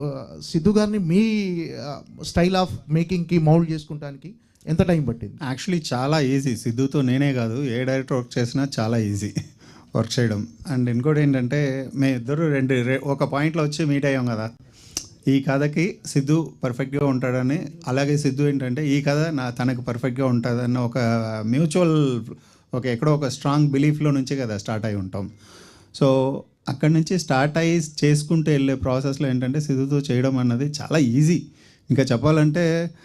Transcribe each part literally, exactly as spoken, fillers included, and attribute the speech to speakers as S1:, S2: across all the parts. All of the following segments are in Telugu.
S1: సిద్ధు గారిని మీ స్టైల్ ఆఫ్ మేకింగ్కి మౌల్డ్ చేసుకుంటానికి ఎంత టైం పట్టింది?
S2: యాక్చువల్లీ చాలా ఈజీ. సిద్ధుతో నేనే కాదు, ఏ డైరెక్టర్ వర్క్ చేసినా చాలా ఈజీ వర్క్ చేయడం. అండ్ ఇంకోటి ఏంటంటే మేము ఇద్దరు రెండు ఒక పాయింట్లో వచ్చి మీట్ అయ్యాం కదా, ఈ కథకి సిద్ధు పర్ఫెక్ట్గా ఉంటాడని, అలాగే సిద్ధు ఏంటంటే ఈ కథ నా తనకు పర్ఫెక్ట్గా ఉంటుందన్న ఒక మ్యూచువల్ ఒక ఎక్కడో ఒక స్ట్రాంగ్ బిలీఫ్లో నుంచి కదా స్టార్ట్ అయి ఉంటాం. సో అక్కడి నుంచి స్టార్ట్ అయ్యి చేసుకుంటూ వెళ్ళే ప్రాసెస్లో ఏంటంటే సిద్ధుతో చేయడం అన్నది చాలా ఈజీ. ఇంకా చెప్పాలంటే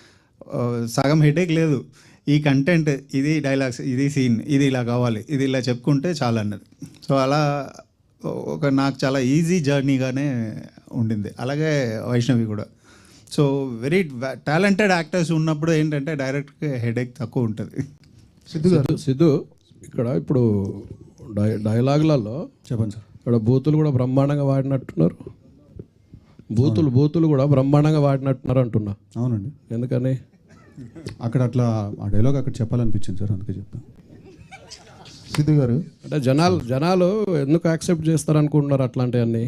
S2: సగం హెడేక్ లేదు. ఈ కంటెంట్, ఇది డైలాగ్స్, ఇది సీన్, ఇది ఇలా కావాలి, ఇది ఇలా చెప్పుకుంటే చాలా అన్నది. సో అలా ఒక నాకు చాలా ఈజీ జర్నీగానే ఉండింది. అలాగే వైష్ణవి కూడా. సో వెరీ టాలెంటెడ్ యాక్టర్స్ ఉన్నప్పుడు ఏంటంటే డైరెక్ట్గా హెడేక్ తక్కువ ఉంటుంది.
S3: సిద్ధు గారు, సిద్ధు ఇక్కడ ఇప్పుడు డై డైలాగులలో
S4: చెప్పండి సార్.
S3: ఇక్కడ బూతులు కూడా బ్రహ్మాండంగా వాడినట్టున్నారు. బూతులు బూతులు కూడా బ్రహ్మాండంగా వాడినట్టున్నారు అంటున్నా.
S4: అవునండి.
S3: ఎందుకని
S4: అక్కడ అట్లా ఆ డైలాగ్ అక్కడ చెప్పాలనిపించింది సార్, అందుకే చెప్పాను.
S1: సిద్ధు గారు
S3: అంటే జనాలు జనాలు ఎందుకు యాక్సెప్ట్ చేస్తారు అనుకుంటున్నారు అట్లాంటివన్నీ?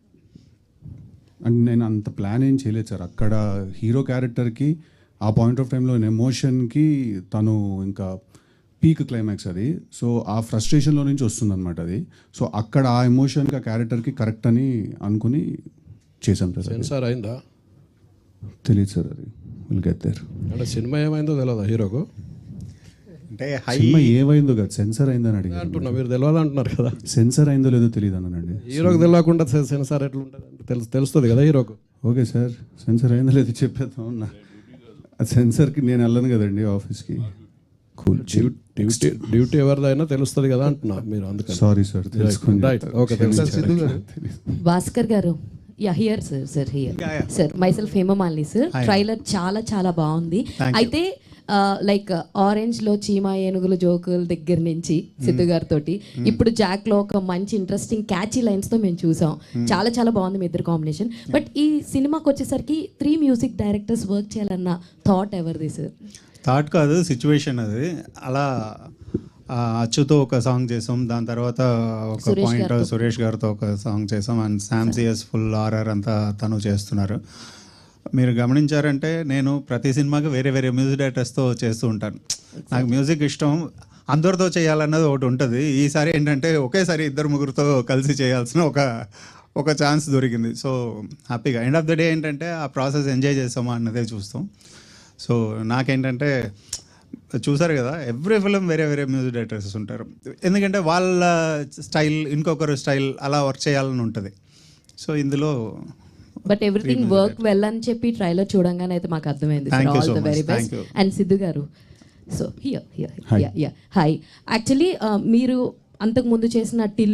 S4: అండ్ నేను అంత ప్లాన్ ఏం చేయలేదు సార్. అక్కడ హీరో క్యారెక్టర్కి ఆ పాయింట్ ఆఫ్ టైంలో ఎమోషన్కి తను ఇంకా పీక్ క్లైమాక్స్ అది. సో ఆ ఫ్రస్ట్రేషన్లో నుంచి వస్తుందన్నమాట అది. సో అక్కడ ఆ ఎమోషన్కి ఆ క్యారెక్టర్కి కరెక్ట్ అని అనుకుని చేశాం సార్.
S3: సెన్సార్ అయిందా
S4: తెలియదు సార్, అది విల్ గెట్ దేర్.
S3: అంటే సినిమా ఏమైందో తెలియదా హీరోకు?
S2: అంటే హై
S4: సినిమా ఏమైందో కదా, సెన్సార్ అయిందని అడిగి
S3: అంటున్నా, మీరు తెలియదు అంటున్నారు కదా.
S4: సెన్సార్ అయిందో లేదో తెలియదు అన్నానండి.
S3: హీరోకి తెలియకుండా సెన్సార్ ఎట్లా ఉంటుంది అంటే తెలుసు తెలుస్తుంది కదా హీరోకు.
S4: ఓకే సార్, సెన్సార్ అయిందో లేదో చెప్పేద్దాం అన్న. ఆ సెన్సార్కి నేను వెళ్ళను కదండి ఆఫీస్కి. కూల్.
S3: డ్యూటీ డ్యూటీ ఎవరిదైనా తెలుస్తుంది కదా అంటున్నా మీరు, అందుకని.
S4: సారీ సార్, తెలుసుకోండి.
S3: రైట్, ఓకే, తెలుసు.
S1: సిద్ధు గారు
S5: భాస్కర్ గారు, yeah here sir sir here sir myself Hemamalini sir. Trailer చాలా చాలా బాగుంది. అయితే లైక్ ఆరెంజ్ లో చీమా ఏనుగులు జోకుల దగ్గర నుంచి సిద్ధు గారితో ఇప్పుడు జాక్ లో ఒక మంచి ఇంట్రెస్టింగ్ క్యాచీ లైన్స్ తో మేము చూసాం. చాలా చాలా బాగుంది మీ ఇద్దరు కాంబినేషన్. బట్ ఈ సినిమాకి వచ్చేసరికి త్రీ మ్యూజిక్ డైరెక్టర్స్ వర్క్ చేయాలన్న థాట్ ఎవరిది సార్?
S2: థాట్ కాదు, సిచ్యువేషన్ అది. అలా అచ్చుతో ఒక సాంగ్ చేసాం, దాని తర్వాత ఒక పాయింట్ సురేష్ గారితో ఒక సాంగ్ చేసాం, అండ్ శామ్సియస్ ఫుల్ ఆర్ఆర్ అంతా తను చేస్తున్నారు. మీరు గమనించారంటే నేను ప్రతి సినిమాకి వేరే వేరే మ్యూజిక్ డైరెక్టర్స్తో చేస్తూ ఉంటాను. నాకు మ్యూజిక్ ఇష్టం, అందరితో చేయాలన్నది ఒకటి ఉంటుంది. ఈసారి ఏంటంటే ఒకేసారి ఇద్దరు ముగ్గురితో కలిసి చేయాల్సిన ఒక ఒక ఛాన్స్ దొరికింది. సో హ్యాపీగా ఎండ్ ఆఫ్ ద డే ఏంటంటే ఆ ప్రాసెస్ ఎంజాయ్ చేస్తామా అన్నదే చూస్తాం. సో నాకేంటంటే చూసారు కదా, ఎవ్రీ ఫిలిం వేరే వేరే మ్యూజిక్ డైరెక్టర్స్ ఉంటారు, ఎందుకంటే వాళ్ళ స్టైల్ ఇంకొకరు స్టైల్ అలా వర్క్ చేయాలని ఉంటుంది. సో ఇందులో
S5: బట్ ఎవ్రీథింగ్ వర్క్ వెల్ అని చెప్పి ట్రైలర్ చూడంగానే అయితే మాకు అర్థమైంది. All the very best. And Siddhu గారు, so here here yeah yeah hi. Actually మీరు అంతకు ముందు చేసిన టిల్